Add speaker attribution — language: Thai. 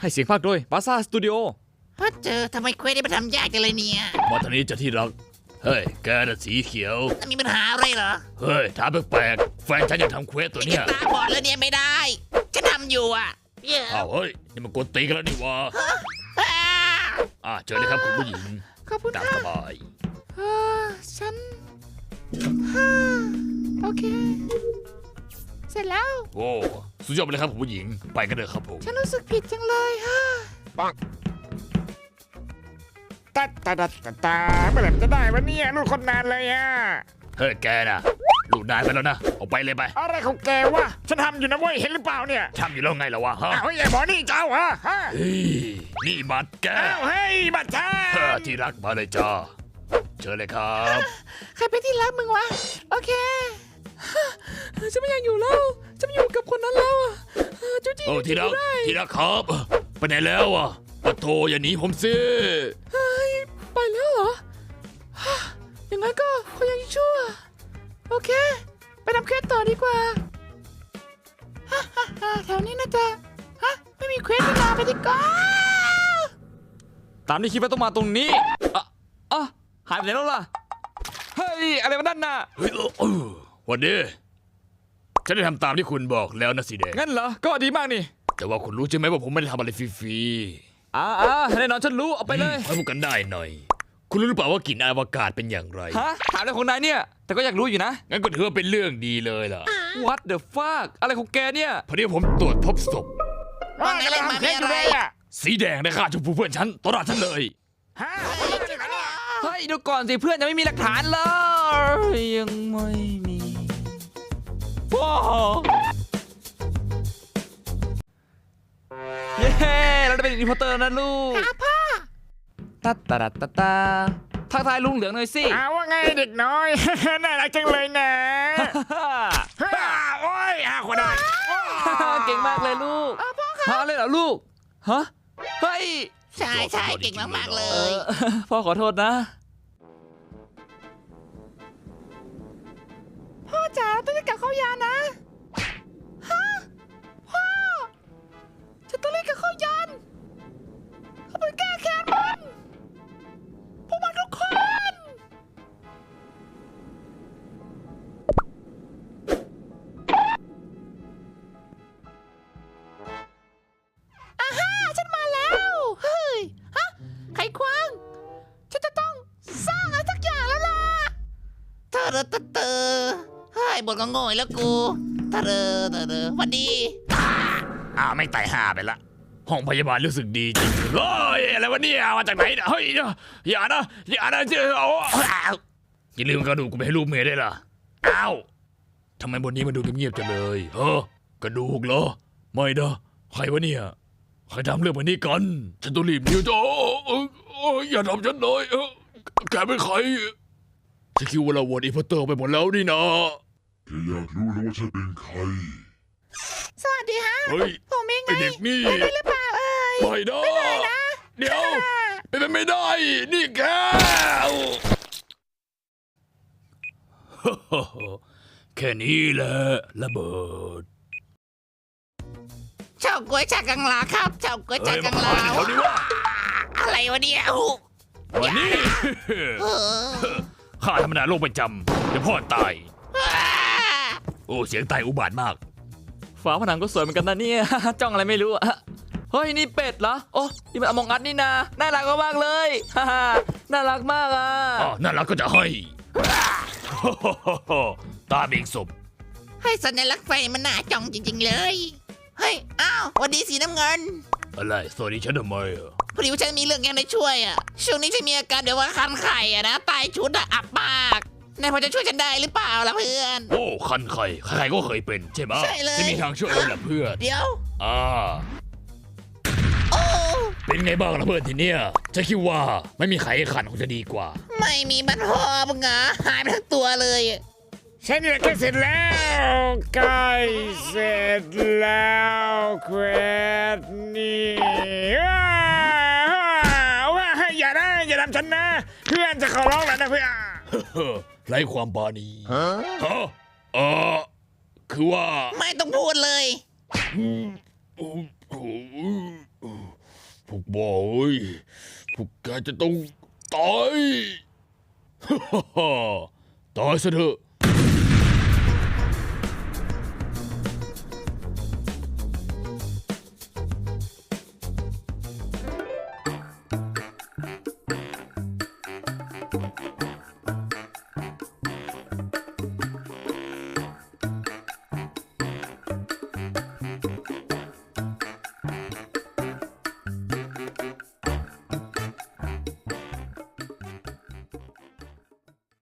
Speaker 1: ให้เสียงภาคโดยบาซ่าสตูดิโอ
Speaker 2: พอเจอทำไมเควสได้มาทำยากจังเลยเนี่ย
Speaker 3: มาทางนี้จะที่รักเฮ้ยแกน่ะสีเขียว
Speaker 2: มีปัญหาอะไรเหรอ
Speaker 3: เฮ้ยถามแปลกๆแฟนฉันอยากทำเควสตัวเนี้ย
Speaker 2: ตาบอดแล้วเนี่ยไม่ได้ฉันทำอยู่อ่ะ
Speaker 3: อ้าวเฮ้ยนี่มันกดตีกันแล้วนี่วะเจอเลยครับคุณผู้หญิง
Speaker 2: ขอบคุณค่ะ
Speaker 3: ตามสบาย
Speaker 2: ฉันโอเคเสร็จแล้ว
Speaker 3: โอ้สุดยอดไปเลยครับคุณผู้หญิงไปกันเลยครับผม
Speaker 2: ฉันรู้สึกผิดจังเลย
Speaker 4: ปังตาเมื่อไหร่จะได้วะเนี่ยลูกคนนานเลย
Speaker 3: เฮ้ยแกน่ะลูกนายไปแล้วนะออกไปเลยไป
Speaker 4: อะไรของแกวะฉันทำอยู่นะเว้ยเห็นหรือเปล่าเนี่ย
Speaker 3: ทำอยู่แล้วไงล่ะวะฮะ
Speaker 4: เฮ้ยไอ้หมอนี่เจ้าฮะ
Speaker 3: เฮ้ยนี่บัตรแก
Speaker 4: เฮ้ยบัตรฉั
Speaker 3: นที่รักมาเลยจ้าเชิญเลยครับ
Speaker 2: ใครเป็นที่รักมึงวะโอเคฉันไม่อยากอยู่แล้วฉันไม่อยู่กับคนนั้นแล้วจุ๊จี้
Speaker 3: ที่รักครับไปไหนแล้วปะโทอย่าหนีผมสิ
Speaker 2: ไปแล้วเหรออย่างงั้นก็เขายังชั่วโอเคไปทำเควสต่อดีกว่าแถวนี้น่าจะไม่มีเควสนาไปดีกว่า
Speaker 1: ตามที่คิดว่าต้องมาตรงนี้หายไปไหนแล้วล่ะเฮ้ยอะไรมาด้านหน้า
Speaker 3: เฮ้ยวันนี้ฉันได้ทำตามที่คุณบอกแล้วนะสีแดง
Speaker 1: งั้นเหรอก็ดีมากนี่
Speaker 3: แต่ว่าคุณรู้ใช่ไหมว่าผมไม่ได้ทำอะไรฟรี
Speaker 1: แน่นอนฉันรู้เอาไปเลย
Speaker 3: ให้พูดกันได้หน่อยคุณรู้หรือเปล่าว่ากลิ่นอวกาศเป็นอย่างไร
Speaker 1: ถามอะไรของนายเนี่ยแต่ก็อยากรู้อยู่นะ
Speaker 3: งั้นก็ถือว่าเป็นเรื่องดีเลยล่ะ
Speaker 1: What the fuck อะไรของแกเนี่ย
Speaker 3: พอดีผมตรวจพบศพ
Speaker 2: ว่าไงเล่นมาเป็นอะไร
Speaker 3: สีแดงได้ฆ่าชมพูเพื่อนฉันต่อหน้าฉันเลย
Speaker 1: เฮ้ยดูก่อนสิเพื่อนยังไม่มีหลักฐานเลยยังไม่มีว้าวเย้เราได้เป็นรีพอร์เตอร์นะลูก
Speaker 2: พ่อ
Speaker 1: ตาทักทายลุงเหลืองหน่อยสิ
Speaker 4: ว่าไงเด็กน้อยน่ารักจังเลยนะโอ้ยคนได้
Speaker 1: เก่งมากเลยลูกพ่อเลยเหรอลูกฮะเฮ้ย
Speaker 2: ใช่เก่งมากๆเลย
Speaker 1: พ่อขอโทษนะ
Speaker 2: พ่อจ๋าต้องกลับเข้ายานนะพ่อฉันต้องรีบกลับเข้ายานเขาไปแก้แค้นมันพวกมันทุกคนฉันมาแล้วเฮ้ยไขควงฉันจะต้องสร้างอะไรสักอย่างแล้วล่ะเธอเฮ้ยบทก็โง่แล้วกูเธอวันดี
Speaker 3: ไม่ตายห่าไปละห้องพยาบาลรู้สึกดีจริงเฮ้ยอะไรวะเนี่ยมาจากไหนเฮ้ยอย่านะเจ้าอย่าลืมกระดูกกูไปให้ลูกเมียได้ล่ะทำไมบนนี้มันดูเงียบๆจังเลยกระดูกเหรอไม่นะใครวะเนี่ยใครทำเรื่องแบบนี้กันฉันต้องรีบหนีอย่าทำฉันเลยแกเป็นใครฉันคิดว่าเราวนอีพอตเตอร์ไปหมดแล้วนี่นะ
Speaker 5: แกอยากรู้แล้วว่าฉันเป็นใคร
Speaker 2: สวัสดีฮะผมเองไง
Speaker 3: เด็กนี่
Speaker 2: ได้หรือเปล่า
Speaker 3: ไม่ได้เดี๋ยวเป็นไม่ได้นี่แกแค่นี้แหละระเบิด
Speaker 2: เฉาก๊วยจากกังลาครับเฉาก๊วยจากกังลาอะไรวะเนี่ย
Speaker 3: วันนี้ข้าธรรมดาโรคประจำเดี๋ยวพ่อตายเสียงตายอุบาทมาก
Speaker 1: ฝาผนังก็สวยเหมือนกันนะเนี่ยจ้องอะไรไม่รู้เฮ้ยนี่เป็ดเหรอโอ้นี่มันอมองอัดนี่นาน่ารักมากเลยน่ารักมาก
Speaker 3: น่ารักก็จะให้ตาเบ่งศพ
Speaker 2: ให้สัญลักษณ์ไฟมันน่าจ้องจริงๆเลยเฮ้ยวันดีสีน้ำเงิน
Speaker 3: อะไรสวัสดีฉันทำไม
Speaker 2: พอดีว่าฉันมีเรื่องยังได้ช่วยช่วงนี้ฉันมีอาการเดี๋ยวว่าคันไข่นะตายชุดอับมากนายพอจะช่วยฉันได้หรือเปล่าล่ะเพื่อน
Speaker 3: คันไข่ใครก็เคยเป็นใช่ไหม
Speaker 2: ใช่เลย
Speaker 3: จะมีทางช่วยเราแหละเพื่อน
Speaker 2: เดี๋ยว
Speaker 3: เป็นไงบ้างล่ะเพื่อนทีเนี้ยฉันคิดว่าไม่มีไข่ขันคงจะดีกว่า
Speaker 2: ไม่มีบัตรพอมึงหายไปทั้งตัวเลย
Speaker 4: ฉันเนี่ยใกล้เสร็จแล้วใกล้เสร็จแล้วเควสนี่อย่าทำฉันนะเพื่อนจะขอร้องแล้วนะเพื่อน
Speaker 3: ไร้ความปราณีคือว่า
Speaker 2: ไม่ต้องพูดเลย
Speaker 3: บ้าเอ้ยพวกแกจะต้องตาย ตายซะเถอะ